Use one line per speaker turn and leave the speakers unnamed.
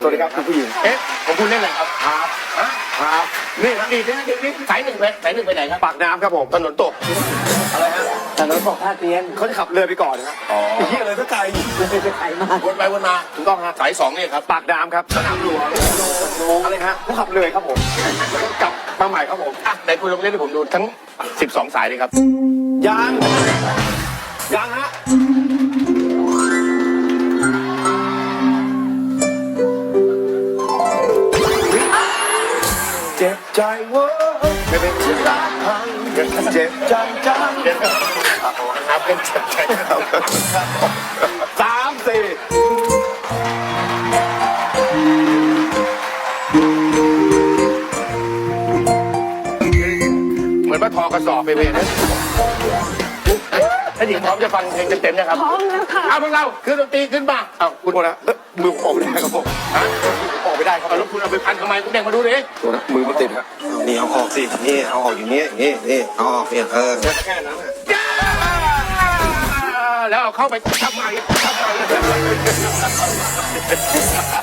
สวัสดีครับคุณผู้หญิง
ของคุณเล่นอะไรครับ
ครับ
นี่นี่สายหนึ่งไปไหนครับ
ปากน้ำครับผม
ถนนตกอะไรฮะ
แต่รถบอกท่าเตียน
เขาจะขับเรือไปก่อนครับ
อ๋อ
ไอ้เหี้ยเลยสักไกล
ไปไกลมาก
วนไปวนมาถูกต้องฮะสายสองนี่ครับ
ปากน้ำครับ
สนามหลวง
อะไรฮะเขาขับเลยครับผมกลับมาใหม่ครับผม
อ่ะไหนคุณลองเล่นให้ผมดูทั้ง12สายเลยครับ
ยังยังฮะเจ็บใจเว้ยไม่เป็นที่รักพังเจ็บใจจัง
ครับเป็นเจ็บใจครับ
3 4
เหมือนว่าทอกระสอบไปเลยนะถ้าหญิงพร้อมจะฟังเพลงเต็มๆนะครับ
พร้อมแล้วค่ะ
เอาพวกเราขึ้นดนตรีขึ้นมาเอา
คุ
คุณ ณ
โทษนะมือผมออกไม่ได้ครับผม
ฮะ
ออกไม่ได้ครับ
เอาแล้วคุณเอาไปพันทำไมคุณเด้งมาดูดิ
โทษนะมือมันติดฮะ
นี่เอาออกสินี่เอาออกอย่างนี้นี่นี่เอาออกเนี่ย
แค่นั้น
แล้วเอาเข้าไปทำไม